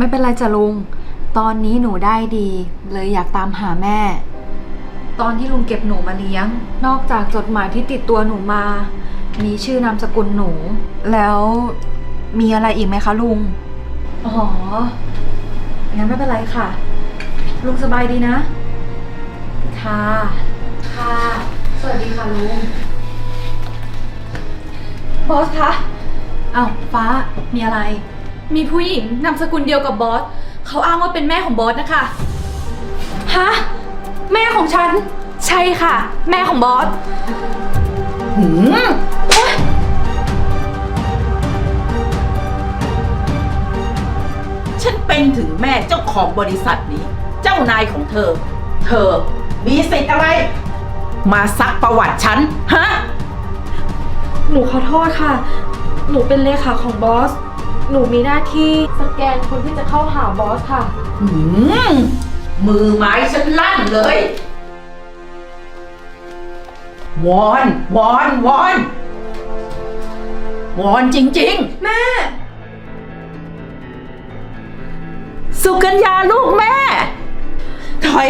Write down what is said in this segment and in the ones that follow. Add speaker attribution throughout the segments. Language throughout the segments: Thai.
Speaker 1: ไม่เป็นไรจ้ะลุง ตอนนี้หนูได้ดีเลยอยากตามหาแม่ ตอนที่ลุงเก็บหนูมาเลี้ยง นอกจากจดหมายที่ติดตัวหนูมา มีชื่อนามสกุลหนู แล้วมีอะไรอีกไหมคะลุง อ๋อ งั้นไม่เป็นไรค่ะ ลุงสบายดีนะ ค่ะ ค่ะ สวัสดีค่ะลุง บอสคะอ้าวฟ้า มีอะไร
Speaker 2: มีผู้หญิงนามสกุลเดียวกับบอสเขาอ้างว่าเป็นแม่ของบอสนะคะ
Speaker 1: ฮะ แม่ของฉัน
Speaker 2: ใช่ค่ะ แม่ของบอส
Speaker 3: หืมฉันเป็นถึงแม่เจ้าของบริษัทนี้ เจ้านายของเธอ เธอมีสิทธิ์อะไร มาซักประวัติฉัน ฮะ
Speaker 2: หนูขอโทษค่ะ หนูเป็นเลขาของบอส หนูมีหน้าที่สแกนคนที่จะเข้าหาบอสค่ะ
Speaker 3: หืมมือไม้ฉันลั่นเลย วอนวอนวอนวอนจริงๆ
Speaker 2: แม่
Speaker 3: สุกัญญาลูกแม่ ถอย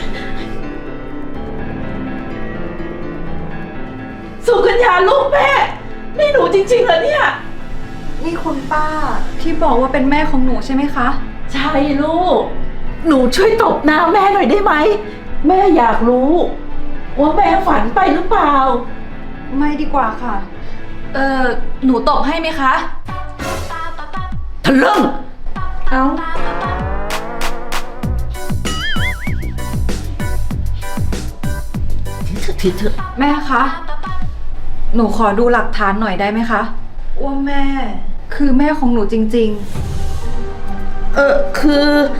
Speaker 3: สุกัญญาลูกแม่ นี่หนูจริงๆเหรอเนี่ย
Speaker 1: นี่คุณป้าที่บอกว่าเป็นแม่ของหนูใช่ไหมคะ
Speaker 3: ใช่ลูก หนูช่วยตบหน้าแม่หน่อยได้ไหม แม่อยากรู้ ว่าแม่ฝันไปหรือเปล่า
Speaker 1: ไม่ดีกว่าค่ะ
Speaker 2: หนูตบให้ไหมคะ
Speaker 3: ทะลึ่ง
Speaker 2: เอ้า
Speaker 3: ทีเถอะ
Speaker 1: แม่คะ หนูขอดูหลักฐานหน่อยได้ไหมคะ ว่าแม่ คือแม่ของหนูจริง
Speaker 3: คือ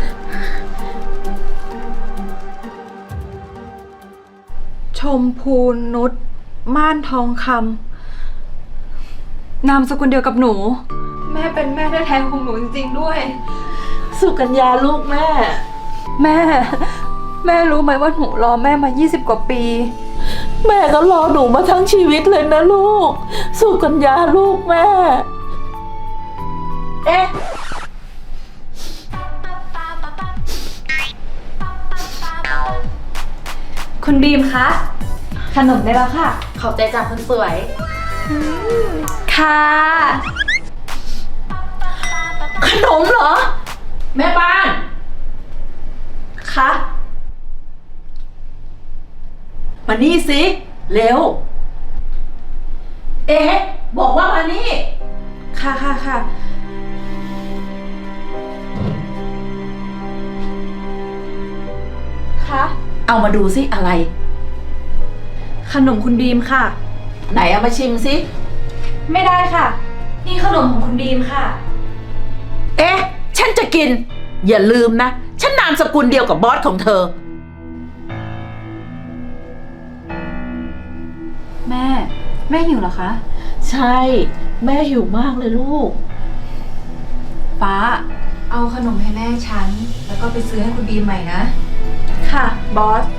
Speaker 1: ๆ ชมพูนุชม่านทองคำนามสกุลเดียวกับหนู แม่เป็นแม่แท้ๆของหนูจริงๆด้วย
Speaker 3: สุกัญญาลูกแม่
Speaker 1: แม่ แม่รู้ไหมว่าหนูรอแม่มา20กว่าปี
Speaker 3: แม่ก็รอหนูมาทั้งชีวิตเลยนะลูก สุกัญญาลูกแม่ เอ๊ะ
Speaker 2: คุณบีมคะ
Speaker 1: ขนมได้แล้วค่ะ
Speaker 2: ขอบใจจากคนสวย ค่ะ
Speaker 3: ขนมเหรอ แม่บ้าน
Speaker 2: คะ
Speaker 3: มานี่สิ เร็ว เอ๊ะ บอกว่ามานี่
Speaker 2: ค่ะค่ะค่ะ คะ
Speaker 3: เอามาดูสิอะไร
Speaker 2: ขนมคุณบีมค่ะ
Speaker 3: ไหนเอามาชิมสิ
Speaker 2: ไม่ได้ค่ะ นี่ขนมของคุณบีมค่ะ
Speaker 3: เอ๊ะ ฉันจะกิน อย่าลืมนะ ฉันนามสกุลเดียวกับบอสของเธอ
Speaker 1: แม่ แม่หิวเหรอคะ
Speaker 3: ใช่ แม่หิวมากเลยลูก
Speaker 1: ฟ้า เอาขนมให้แม่ฉัน แล้วก็ไปซื้อให้คุณบีมใหม่นะ
Speaker 2: ค่ะ บอส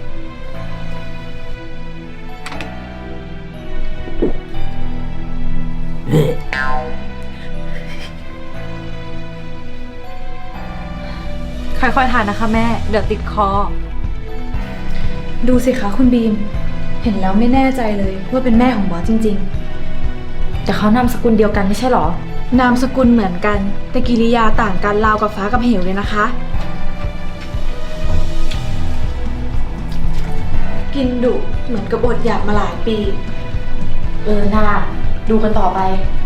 Speaker 1: ค่อยๆทานนะคะแม่ เดี๋ยวติดคอ
Speaker 2: ดูสิคะคุณบีม เห็นแล้วไม่แน่ใจเลยว่าเป็นแม่ของบอสจริงๆ แต่เขานามสกุลเดียวกันไม่ใช่หรอ นามสกุลเหมือนกัน แต่กิริยาต่างกันราวกับฟ้ากับเหวเลยนะคะ กินดุเหมือนกับอดอยากมาหลายปี น่าดูกันต่อไป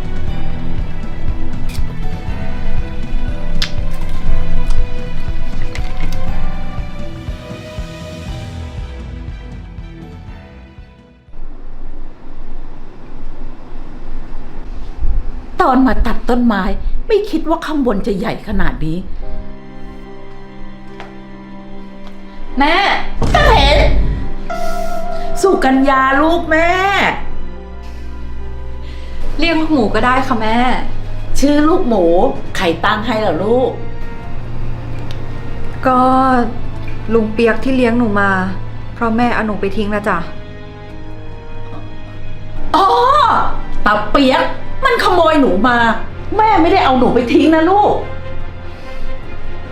Speaker 3: ตอนมาตัดต้นไม้ไม่คิดว่าข้างบนจะใหญ่ขนาดนี้
Speaker 1: แม่
Speaker 3: จะเห็น สุกัญญาลูกแม่
Speaker 1: เรียกลูกหมูก็ได้ค่ะแม่
Speaker 3: ชื่อลูกหมู ใครตั้งให้เหรอลูก
Speaker 1: ก็ลุงเปียกที่เลี้ยงหนูมา เพราะแม่เอาหนูไปทิ้งนะจ๊ะ
Speaker 3: อ๋อตาเปียกมันขโมยหนูมา แม่ไม่ได้เอาหนูไปทิ้งนะลูก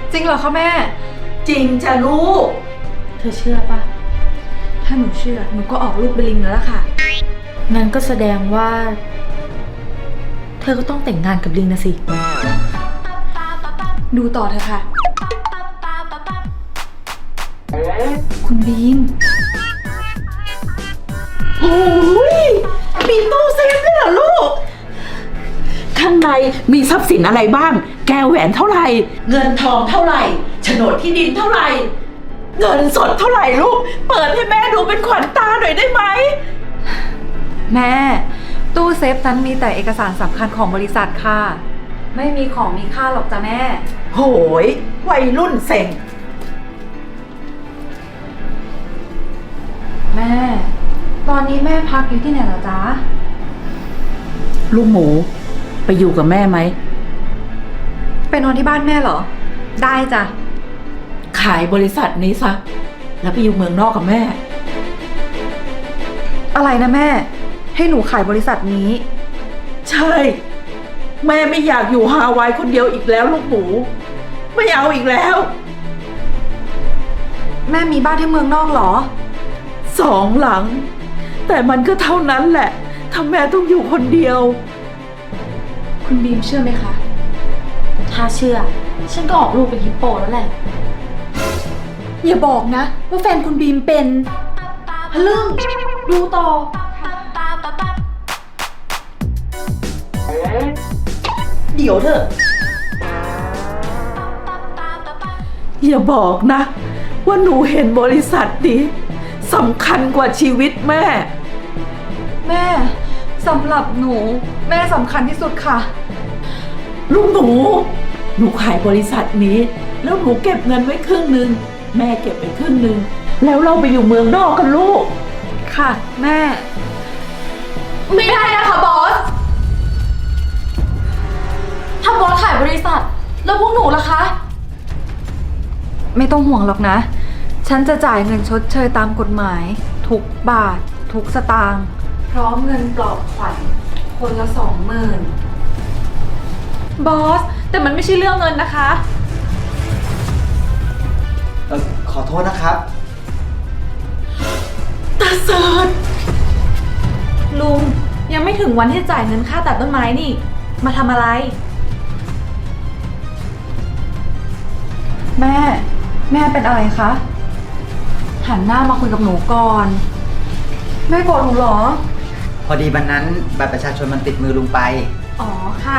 Speaker 1: จริงเหรอคะแม่
Speaker 3: จริงจ้ะลูก
Speaker 2: เธอเชื่อปะถ้าหนูเชื่อหนูก็ออกลูกเป็นลิงแล้วล่ะค่ะ งั้นก็แสดงว่า เธอก็ต้องแต่งงานกับลิงนะสิ ดูต่อเถอะค่ะ คุณบีม
Speaker 3: โอ้ยมีตู้เซฟด้วยเหรอลูก ข้างในมีทรัพย์สินอะไรบ้าง แก้วแหวนเท่าไหร่ เงินทองเท่าไหร่โฉนดที่ดินเท่าไหร่ เงินสดเท่าไหร่ลูก เปิดให้แม่ดูเป็นขวัญตาหน่อยได้ไหม
Speaker 1: แม่ ตู้เซฟนั้นมีแต่เอกสารสำคัญของบริษัทค่ะ ไม่มีของมีค่าหรอกจ้ะแม่
Speaker 3: โหยวัยรุ่นเซ็ง
Speaker 1: แม่ ตอนนี้แม่พักอยู่ที่ไหนเหรอจ๊ะ
Speaker 3: ลูกหมู ไปอยู่กับแม่ไหม
Speaker 1: ไปนอนที่บ้านแม่เหรอ ได้จ้ะ
Speaker 3: ขายบริษัทนี้ซะ แล้วไปอยู่เมืองนอกกับแม่
Speaker 1: อะไรนะแม่ ให้หนูขายบริษัทนี้
Speaker 3: ใช่ แม่ไม่อยากอยู่ฮาวายคนเดียวอีกแล้วลูกหมู ไม่เอาอีกแล้ว
Speaker 1: แม่มีบ้านที่เมืองนอกเหรอ
Speaker 3: 2 หลัง แต่มันก็เท่านั้นแหละถ้าแม่ต้องอยู่คนเดียว
Speaker 2: คุณบีมเชื่อไหมคะ ถ้าเชื่อ ฉันก็ออกลูกเป็นฮิปโปแล้วแหละ อย่าบอกนะ ว่าแฟนคุณบีมเป็นฮะลึ่งดูต่อ
Speaker 3: เดี๋ยวเถอะ อย่าบอกนะ ว่าหนูเห็นบริษัทนี้สำคัญกว่าชีวิตแม่
Speaker 1: แม่สำหรับหนู แม่สำคัญที่สุดค่ะ
Speaker 3: ลูกหนู หนูขายบริษัทนี้ แล้วหนูเก็บเงินไว้ครึ่งหนึ่งแม่เก็บไปครึ่งหนึ่งแล้วเราไปอยู่เมืองนอกกันลูก
Speaker 1: ค่ะแม่
Speaker 2: ไม่ได้นะคะบอส ถ้าบอสขายบริษัท แล้วพวกหนูล่ะคะ
Speaker 1: ไม่ต้องห่วงหรอกนะ ฉันจะจ่ายเงินชดเชยตามกฎหมาย ทุกบาท ทุกสตางค์พร้อมเงินปลอบขวัญคนละ 20,000
Speaker 2: บอส แต่มันไม่ใช่เรื่องเงินนะคะ
Speaker 4: ขอโทษนะครับ
Speaker 3: ตาเสิร์ช
Speaker 2: ลุงยังไม่ถึงวันที่จ่ายเงินค่าตัดต้นไม้นี่ มาทำอะไร
Speaker 1: แม่ แม่เป็นอะไรคะ หันหน้ามาคุยกับหนูก่อน แม่โกรธหนูเหรอ
Speaker 4: พอดีวันนั้นบัตรประชาชนมันติดมือลุงไป
Speaker 2: อ๋อค่ะ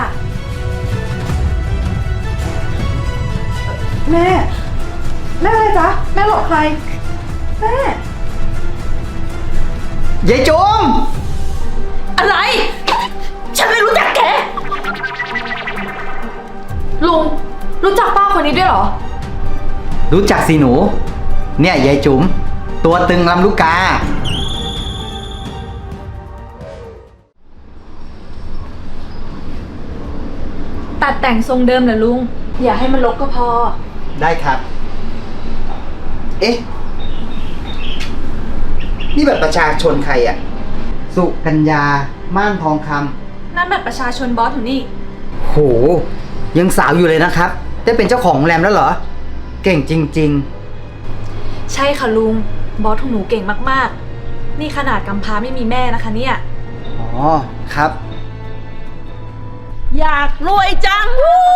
Speaker 1: แม่ แม่อะไรจ๊ะ แม่หลอกใคร แม่
Speaker 4: ยายจุ๋ม
Speaker 3: อะไร ฉันไม่รู้จักแก
Speaker 2: ลุงรู้จักป้าคนนี้ด้วยเหรอ
Speaker 4: รู้จักสิหนู เนี่ยยายจุ๋ม ตัวตึงลำลูกกา
Speaker 2: ตัดแต่งทรงเดิมเหรอลุง อย่าให้มันรกก็พอ
Speaker 4: ได้ครับ เอ๊ะ นี่บัตรประชาชนใครอะสุกัญญา ม่านทองค
Speaker 2: นั่นบัตรประชาชนบอสอยู่นี่
Speaker 4: ำโห ยังสาวอยู่เลยนะครับ ได้เป็นเจ้าของโรงแรมแล้วเหรอ เก่งจริง
Speaker 2: ใช่ค่ะลุง บอสของหนูเก่งมากๆ นี่ขนาดกำพร้าไม่มีแม่นะคะเนี่ย
Speaker 4: ๆ อ๋อ ครับ
Speaker 3: อยากรวยจังวู้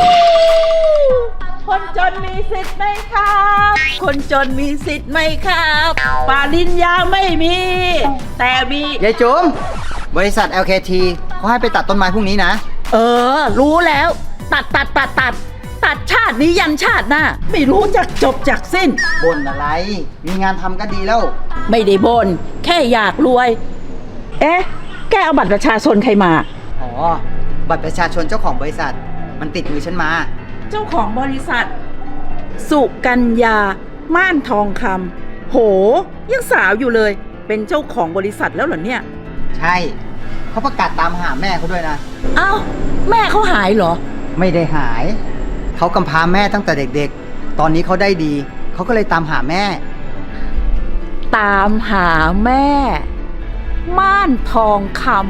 Speaker 3: คนจนมีสิทธิ์ไหมครับ คนจนมีสิทธิ์ไหมครับปริญญาไม่มี แต่มี
Speaker 4: ยายจุ๋ม บริษัท LKT เขาให้ไปตัดต้นไม้พรุ่งนี้นะ
Speaker 3: รู้แล้ว ตัดชาตินี้ยันชาติหน้า ไม่รู้จักจบจากสิ้น
Speaker 4: บ่นอะไร มีงานทำก็ดีแล้ว
Speaker 3: ไม่ได้บน แค่อยากรวย เอ๊ะ แกเอาบัตรประชาชนใครมา
Speaker 4: อ๋อ บัตรประชาชนเจ้าของบริษัท มันติดมือฉันมา
Speaker 3: เจ้าของบริษัท สุกัญญา ม่านทองคำโห ยังสาวอยู่เลย เป็นเจ้าของบริษัทแล้วเหรอเนี่ย
Speaker 4: ใช่ เขาประกาศตามหาแม่เขาด้วยนะ
Speaker 3: เอ้า แม่เขาหายเหรอ
Speaker 4: ไม่ได้หาย เขากำพร้าแม่ตั้งแต่เด็กๆ ตอนนี้เขาได้ดี เขาก็เลยตามหาแม่
Speaker 3: ตามหาแม่ ม่านทองคำ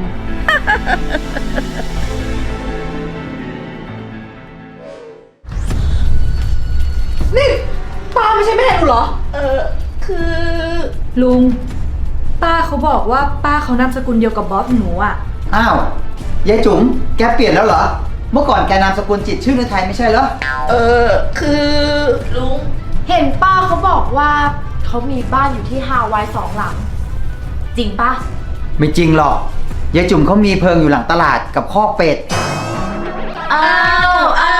Speaker 2: นี่ป้าไม่ใช่แม่หนูเหรอ
Speaker 3: คือ
Speaker 2: ลุง ป้าเขาบอกว่าป้าเขานามสกุลเดียวกับบอสหนูอ่ะ
Speaker 4: อ้าวยายจุ๋มแกเปลี่ยนแล้วเหรอ เมื่อก่อนแกนามสกุลจิตรชื่อในไทยไม่ใช่เหรอ
Speaker 3: คือลุง
Speaker 2: เห็นป้าเขาบอกว่าเขามีบ้านอยู่ที่ฮาวาย2 หลัง จริงปะ
Speaker 4: ไม่จริงหรอกยายจุ๋มเขามีเพิงอยู่หลังตลาดกับคอกเป็ด
Speaker 3: อ้าว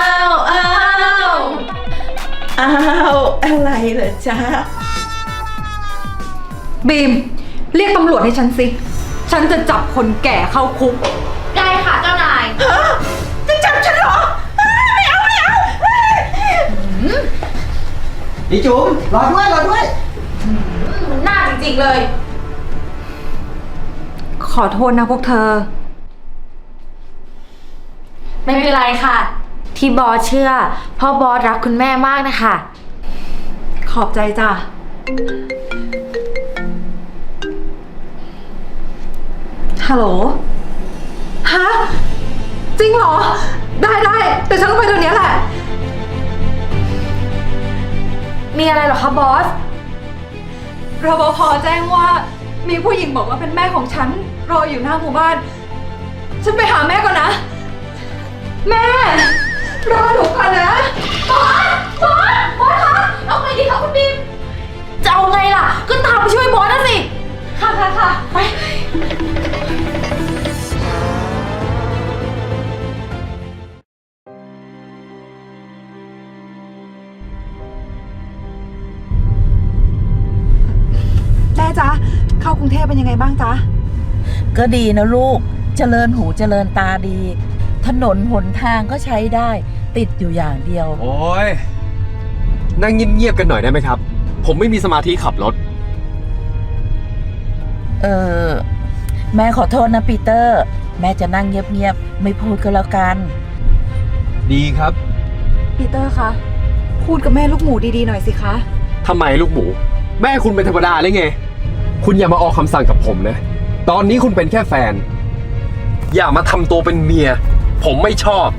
Speaker 3: อะไรเหรอจ๊ะ
Speaker 1: บีม เรียกตำรวจให้ฉันสิ ฉันจะจับคนแก่เข้าคุก
Speaker 2: ได้ค่ะเจ้านาย
Speaker 3: จะจับฉันเหรอ ไม่เอา
Speaker 4: ยายจุ๋มรอด้วย
Speaker 2: มันน่าจริงๆเลย
Speaker 1: ขอโทษนะพวกเธอ
Speaker 2: ไม่เป็นไรค่ะ ที่บอสเชื่อเพราะบอสรักคุณแม่มากนะคะ
Speaker 1: ขอบใจจ้ะ ฮัลโหล ฮะ จริงเหรอ ได้แต่ฉันต้องไปเดี๋ยวนี้แหละ
Speaker 2: มีอะไรเหรอคะบอส
Speaker 1: รปภแจ้งว่ามีผู้หญิงบอกว่าเป็นแม่ของฉัน รออยู่หน้าหมู่บ้าน ฉันไปหาแม่ก่อนนะ แม่ รอหนูก่อนนะ
Speaker 2: บอสคะเอาไงดีคะคุณบีม จะเอาไงล่ะ ก็ตามไปช่วยบอสนะสิ ค่ะ ไป
Speaker 1: แม่จ๊ะ เข้ากรุงเทพเป็นยังไงบ้างจ๊ะ
Speaker 3: ก็ดีนะลูก เจริญหูเจริญตาดี ถนนหนทางก็ใช้ได้ ติดอยู่อย่างเดียว
Speaker 5: โอ้ยนั่งเงียบๆกันหน่อยได้ไหมครับ ผมไม่มีสมาธิขับรถ
Speaker 3: แม่ขอโทษนะปีเตอร์ แม่จะนั่งเงียบๆ ไม่พูดก็แล้วกัน
Speaker 5: ดีครับ
Speaker 1: ปีเตอร์คะ พูดกับแม่ลูกหมูดีๆหน่อยสิคะ
Speaker 5: ทำไมลูกหมู แม่คุณเป็นธรรมดาเลยไง คุณอย่ามาออกคำสั่งกับผมนะ ตอนนี้คุณเป็นแค่แฟน อย่ามาทำตัวเป็นเมีย ผมไม่ชอบ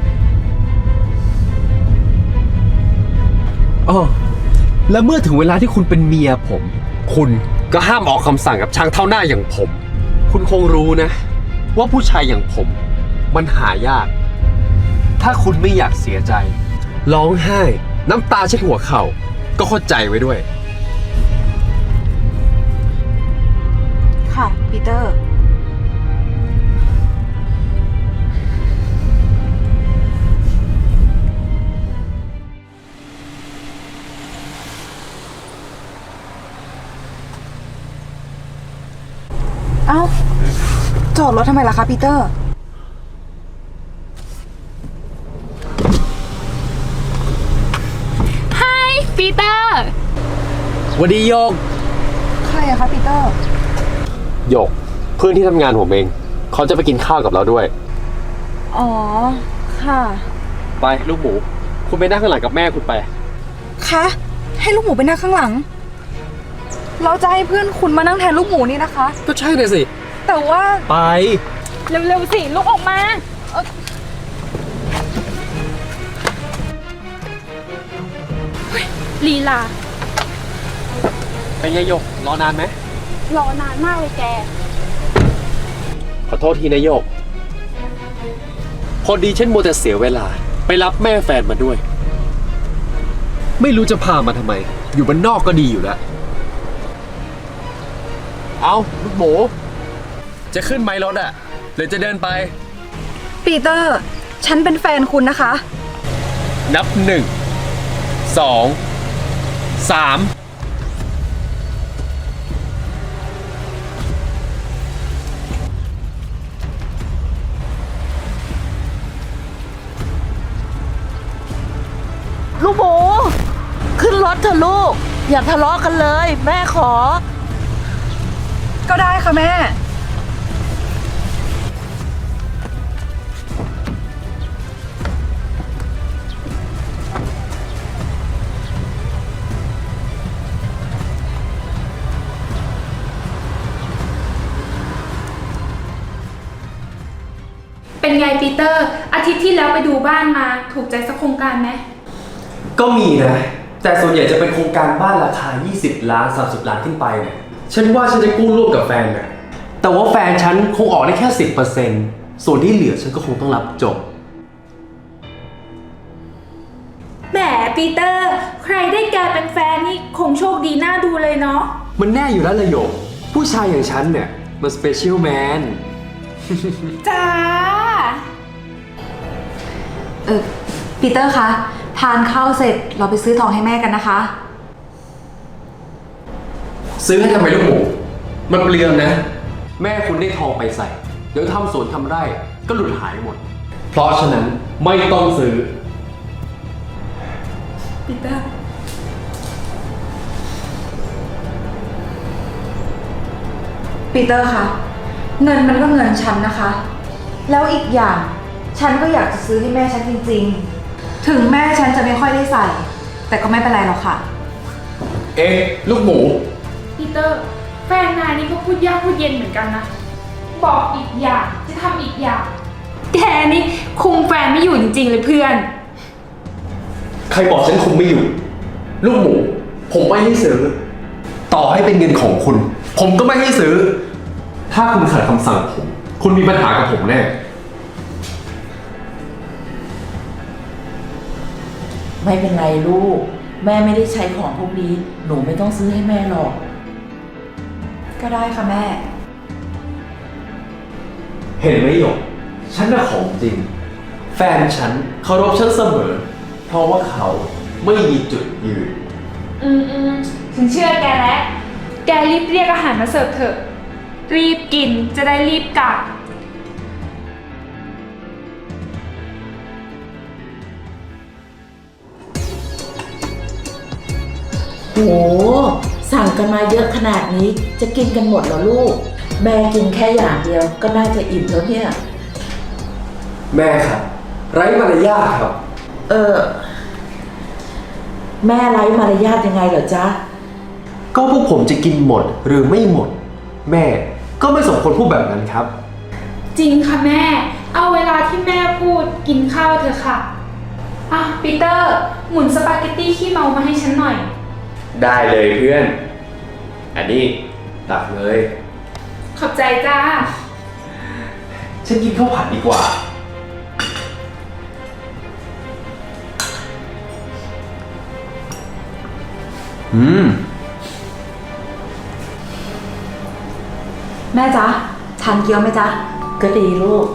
Speaker 5: อ๋อแล้วเมื่อถึงเวลาที่คุณเป็นเมียผม คุณก็ห้ามออกคำสั่งกับช่างเท่าหน้าอย่างผม คุณคงรู้นะ ว่าผู้ชายอย่างผม มันหายาก ถ้าคุณไม่อยากเสียใจ ร้องไห้ น้ำตาเช็ดหัวเข่า ก็เข้าใจไว้ด้วย
Speaker 1: ค่ะ ปีเตอร์ เอ้า จอดรถทำไมล่ะคะปีเตอร์
Speaker 6: ปีเตอร์
Speaker 5: วันดีโยก
Speaker 1: ใครอะคะปีเตอร์
Speaker 5: โยก เพื่อนที่ทำงานผมเอง เขาจะไปกินข้าวกับเราด้วย
Speaker 1: อ๋อ ค่ะ
Speaker 5: ไปลูกหมู คุณไปนั่งข้างหลังกับแม่คุณไป
Speaker 1: คะ ให้ลูกหมูไปนั่งข้างหลัง เราจะให้เพื่อนคุณมานั่งแทนลูกหมูนี่นะคะ
Speaker 5: ก็ใช่เลยสิ
Speaker 1: แต่ว่า
Speaker 5: ไป
Speaker 6: เร็วๆสิลุกออกมา ลีลา
Speaker 5: เป็นไงโยก รอนานไหม
Speaker 6: รอนานมากเลยแก
Speaker 5: ขอโทษทีนะโยก พอดีฉันมัวแต่เสียเวลา ไปรับแม่แฟนมาด้วย ไม่รู้จะพามาทำไม อยู่บ้านนอกก็ดีอยู่แล้ว เอาลูกหมู จะขึ้นไหมรถอะหรือจะเดินไป
Speaker 1: ปีเตอร์ ฉันเป็นแฟนคุณนะคะ
Speaker 5: นับ 1 2 3
Speaker 3: ลูกหมู ขึ้นรถเถอะลูก อย่าทะเลาะกันเลย แม่ขอ
Speaker 1: ก็ได้ค่ะแม่
Speaker 6: เป็นไงปีเตอร์ อาทิตย์ที่แล้วไปดูบ้านมาถูกใจสักโครงการไหม
Speaker 5: ก็มีนะแต่ส่วนใหญ่จะเป็นโครงการบ้านราคา 20 ล้าน 30 ล้านขึ้นไปเนี่ยฉันว่าฉันจะกู้ร่วมกับแฟนน่ะแต่ว่าแฟนฉันคงออกได้แค่ 10%ส่วนที่เหลือฉันก็คงต้องรับจบ
Speaker 6: แหมปีเตอร์ ใครได้แกเป็นแฟนนี่คงโชคดีน่าดูเลยเนาะ
Speaker 5: มันแน่อยู่แล้วละโยกผู้ชายอย่างฉันเนี่ยมันสเปเชียลแมน
Speaker 6: จ้า
Speaker 1: ปีเตอร์คะ ทานข้าวเสร็จเราไปซื้อทองให้แม่กันนะคะ
Speaker 5: ซื้อให้ทำไมลูกหมู มันเปลืองนะ แม่คุณได้ทองไปใส่ เดี๋ยวทำสวนทำไร่ก็หลุดหายหมด เพราะฉะนั้นไม่ต้องซื้อ
Speaker 1: ปีเตอร์ ปีเตอร์คะ เงินมันก็เงินฉันนะคะ แล้วอีกอย่างฉันก็อยากจะซื้อให้แม่ฉันจริงๆ ถึงแม่ฉันจะไม่ค่อยได้ใส่ แต่ก็ไม่เป็นไรหรอกค่ะ
Speaker 5: เอ๊ะลูกหมู
Speaker 6: ปีเตอร์ แฟนนายนี่ก็พูดยากพูดเย็นเหมือนกันนะ บอกอีกอย่างจะทำอีกอย่าง แกนี่คุมแฟนไม่อยู่จริงๆเลยเพื่อน
Speaker 5: ใครบอกฉันคุมไม่อยู่ ลูกหมู ผมไม่ให้ซื้อ ต่อให้เป็นเงินของคุณ ผมก็ไม่ให้ซื้อ ถ้าคุณขัดคำสั่งผม คุณมีปัญหากับผมแน่
Speaker 3: ไม่เป็นไรลูก แม่ไม่ได้ใช้ของพวกนี้ หนูไม่ต้องซื้อให้แม่หรอก
Speaker 1: ก็ได้ค่ะแม่
Speaker 5: เห็นไหมหยก ฉันน่ะของจริง แฟนฉันเคารพฉันเสมอ เพราะว่าเขาไม่มีจุดยืน
Speaker 6: ฉันเชื่อแกแล้ว แกรีบเรียกอาหารมาเสิร์ฟเถอะ รีบกินจะได้รีบกลับ
Speaker 3: โห สั่งกันมาเยอะขนาดนี้จะกินกันหมดเหรอลูก แม่กินแค่อย่างเดียวก็น่าจะอิ่มแล้วเนี่ย
Speaker 5: แม่ครับ ไร้มารยาทครับ
Speaker 3: แม่ไร้มารยาทยังไงเหรอจ๊ะ
Speaker 5: ก็พวกผมจะกินหมดหรือไม่หมด แม่ก็ไม่สมควรพูดแบบนั้นครับ
Speaker 6: จริงค่ะแม่ เอาเวลาที่แม่พูดกินข้าวเถอะค่ะ อ่ะปีเตอร์ หมุนสปาเกตตี้ขี้เมามาให้ฉันหน่อย
Speaker 5: ได้เลยเพื่อน อันนี้ตักเลย
Speaker 6: ขอบใจจ้า
Speaker 5: ฉันกินข้าวผัดดีกว่า
Speaker 1: แม่จ๊ะทานเกี๊ยวไหมจ๊ะ
Speaker 3: ก็ดีลูก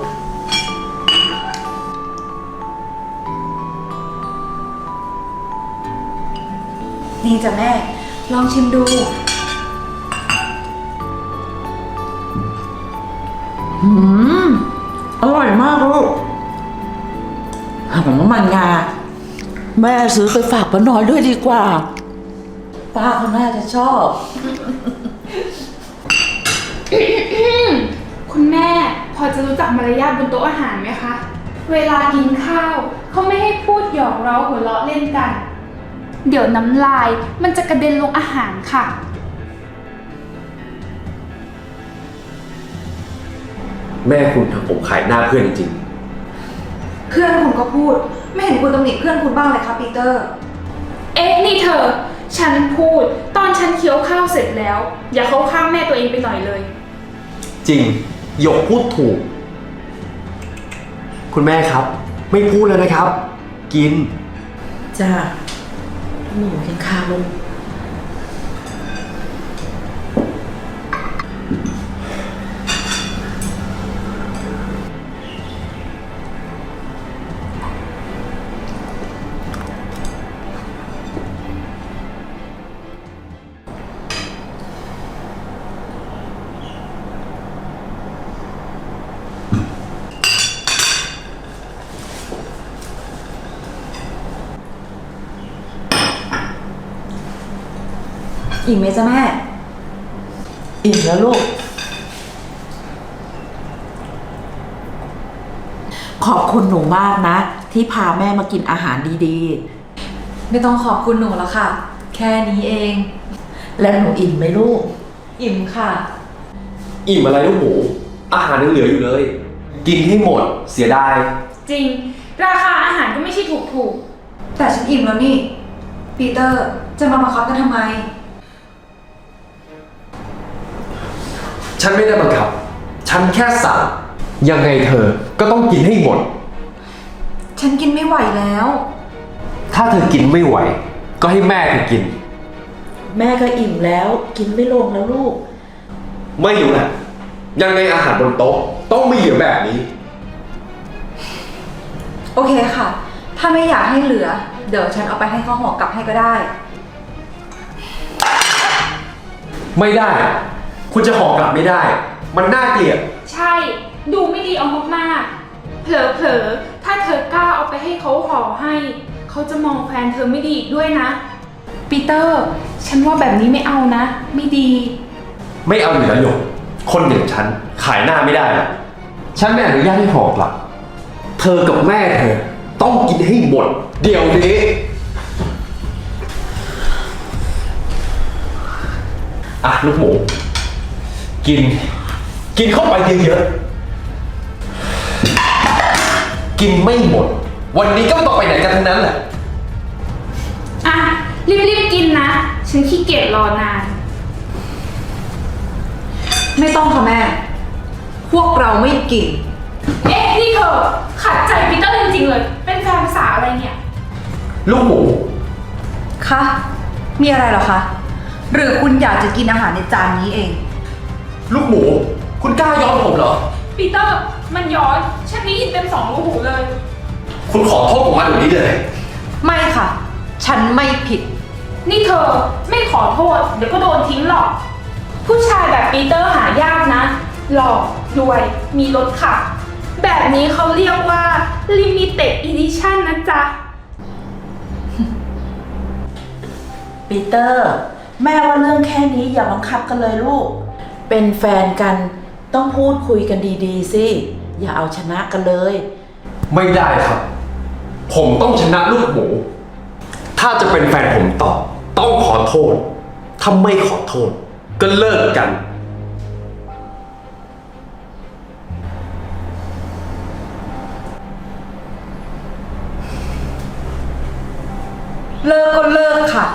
Speaker 1: นี่จ้ะแม่ ลองชิมดู
Speaker 3: อร่อยมากลูกหอมน้ำมันงา แม่ซื้อไปฝากป้าน้อยด้วยดีกว่า ป้าเขาน่าจะชอบ
Speaker 6: คุณแม่พอจะรู้จักมารยาทบนโต๊ะอาหารไหมคะ เวลากินข้าวเขาไม่ให้พูดหยอกเร้าหัวเราะเล่นกัน เดี๋ยวน้ำลายมันจะกระเด็นลงอาหารค่ะ
Speaker 5: แม่คุณทำผมขายหน้าเพื่อนจริง
Speaker 1: เพื่อนคุณก็พูด ไม่เห็นคุณตำหนิเพื่อนคุณบ้างเลยคะปีเตอร์
Speaker 6: เอ๊ะนี่เธอ ฉันพูดตอนฉันเคี้ยวข้าวเสร็จแล้ว อย่าเข้าข้างแม่ตัวเองไปหน่อยเลย
Speaker 5: จริงหยกพูดถูก คุณแม่ครับ ไม่พูดแล้วนะครับ กิน
Speaker 3: จ้าหนูกินข้าวลูก
Speaker 1: อิ่มไหมจ๊ะแม่
Speaker 3: อิ่มแล้วลูก ขอบคุณหนูมากนะ ที่พาแม่มากินอาหารดี
Speaker 1: ไม่ต้องขอบคุณหนูแล้วค่ะ แค่นี้เอง
Speaker 3: ๆ แล้วหนูอิ่มไหมลูก
Speaker 1: อิ่มค่ะ
Speaker 5: อิ่มอะไรลูกหมู อาหารยังเหลืออยู่เลย กินให้หมดเสียดาย
Speaker 6: จริง ราคาอาหารก็ไม่ใช่ถูก
Speaker 1: แต่ฉันอิ่มแล้วนี่ปีเตอร์จะมาบังคับกันทำไม
Speaker 5: ฉันไม่ได้บังคับ ฉันแค่สั่งยังไงเธอก็ต้องกินให้หมด
Speaker 1: ฉันกินไม่ไหวแล้ว
Speaker 5: ถ้าเธอกินไม่ไหว ก็ให้แม่เธอกิน
Speaker 3: แม่ก็อิ่มแล้วกินไม่ลงแล้วลูก
Speaker 5: ไม่อยู่แหละยังไงอาหารบนโต๊ะต้องไม่เหลือแบบนี้
Speaker 1: โอเคค่ะ ถ้าไม่อยากให้เหลือ เดี๋ยวฉันเอาไปให้ข้าวหอกลับให้ก็ได้
Speaker 5: ไม่ได้ คุณจะห่อกลับไม่ได้ มันน่าเกลียด
Speaker 6: ใช่ ดูไม่ดีเอามากๆ เผลอๆ ถ้าเธอกล้าเอาไปให้เขาห่อให้ เขาจะมองแฟนเธอไม่ดีอีกด้วยนะ ปีเตอร์ ฉันว่าแบบนี้ไม่เอานะ ไม่ดี
Speaker 5: ไม่เอาอยู่แล้วหยกคนอย่างฉันขายหน้าไม่ได้หรอกฉันไม่อนุญาตให้ห่อกลับ เธอกับแม่เธอต้องกินให้หมด เดี๋ยวนี้อ่ะลูกหมู กินเข้าไปเยอะๆกินไม่หมด วันนี้ก็ไม่ต้องไปไหนกันทั้งนั้นแหละ
Speaker 6: อ่ะ รีบๆกินนะ ฉันขี้เกียจรอนาน
Speaker 1: ไม่ต้องค่ะแม่ พวกเราไม่กิน
Speaker 6: เอ๊ะ นี่เธอขัดใจปีเตอร์จริงๆเลย เป็นแฟนภาษาอะไรเนี่ย
Speaker 5: ลูกหมู
Speaker 1: คะ มีอะไรเหรอคะ หรือคุณอยากจะกินอาหารในจานนี้เอง
Speaker 5: ลูกหมู คุณกล้าย้อนผมเหรอ
Speaker 6: ปีเตอร์ มันย้อน ฉันได้ยินเต็ม2 รูหูเลย
Speaker 5: คุณขอโทษผมมาเดี๋ยวนี้เลย
Speaker 1: ไม่ค่ะ ฉันไม่ผิด
Speaker 6: นี่เธอไม่ขอโทษ เดี๋ยวก็โดนทิ้งหรอก ผู้ชายแบบปีเตอร์หายากนะ หล่อ รวย มีรถขับ แบบนี้เขาเรียกว่า Limited Edition นะจ๊ะ
Speaker 3: ปีเตอร์ แม่ว่าเรื่องแค่นี้อย่าบังคับกันเลยลูก เป็นแฟนกันต้องพูดคุยกันดีๆสิอย่าเอาชนะกันเลย
Speaker 5: ไม่ได้ครับ ผมต้องชนะลูกหมู ถ้าจะเป็นแฟนผมต่อ ต้องขอโทษ ถ้าไม่ขอโทษ ก็เลิกกัน
Speaker 1: เลิกก็เลิกค่ะ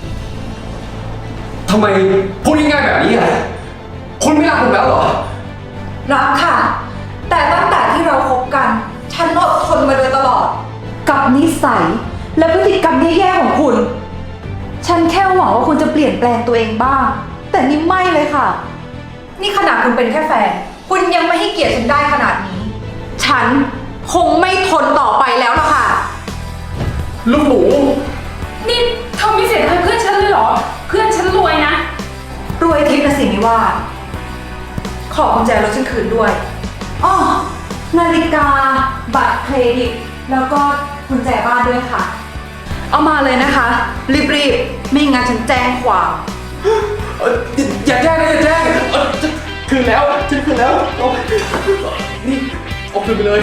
Speaker 5: ทำไมพูดง่ายๆแบบนี้อ่ะ คุณไม่รักผมแล้วเหรอ
Speaker 1: รักค่ะ แต่ตั้งแต่ที่เราคบกัน ฉันอดทนมาโดยตลอด กับนิสัยและพฤติกรรมแย่ๆของคุณ ฉันแค่หวังว่าคุณจะเปลี่ยนแปลงตัวเองบ้าง แต่นี่ไม่เลยค่ะ นี่ขนาดคุณเป็นแค่แฟน คุณยังไม่ให้เกียรติฉันได้ขนาดนี้ ฉันคงไม่ทนต่อไปแล้วล่ะค่ะ
Speaker 5: ลูกหมู
Speaker 6: นี่เธอมีเสียงให้เพื่อนฉันเลยเหรอ เพื่อนฉันรวยนะ
Speaker 1: รวยทิพย์นะสิไม่ว่า ขอกุญแจรถฉันคืนด้วยอ้อนาฬิกา บัตรเครดิต แล้วก็กุญแจบ้านด้วยค่ะ เอามาเลยนะคะ รีบๆ ไม่งั้นฉันแจ้งความ
Speaker 5: อย่าแจ้งนะอย่าแจ้งคืนแล้วฉันคืนแล้วเอานี่เอาคืนไปเลย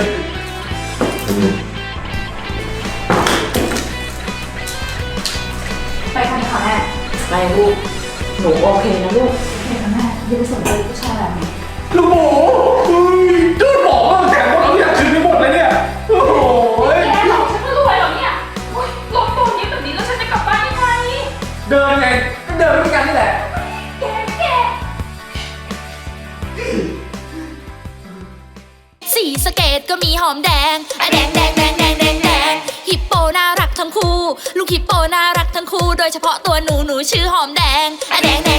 Speaker 1: ไปกันค่ะแม่
Speaker 3: ไปลูก หนูโอเคนะลูก
Speaker 1: ไปค่ะแม่อย่าไปสนใจผู้ชายแบบนี้
Speaker 5: ลูกหมูก็บอกว่าแต่พวกเราอยากคืนไปหมดเลยเนี่ย โอ้โห
Speaker 6: แกหลอกฉันก็รวยเหรอเนี่ยโอ๊ยลงตัวนี้แบบนี้แล้วฉันจะกลับบ้านยังไง
Speaker 5: เดินไงก็เดินด้วยกันนี่แหละ
Speaker 6: แก
Speaker 7: สีสะเกตก็มีหอมแดงอะแดงแดงแดงแดงแดงแดงฮิปโปน่ารักทั้งคู่ ลูกฮิปโปน่ารักทั้งคู่ โดยเฉพาะตัวหนูชื่อหอมแดงอะแดงแด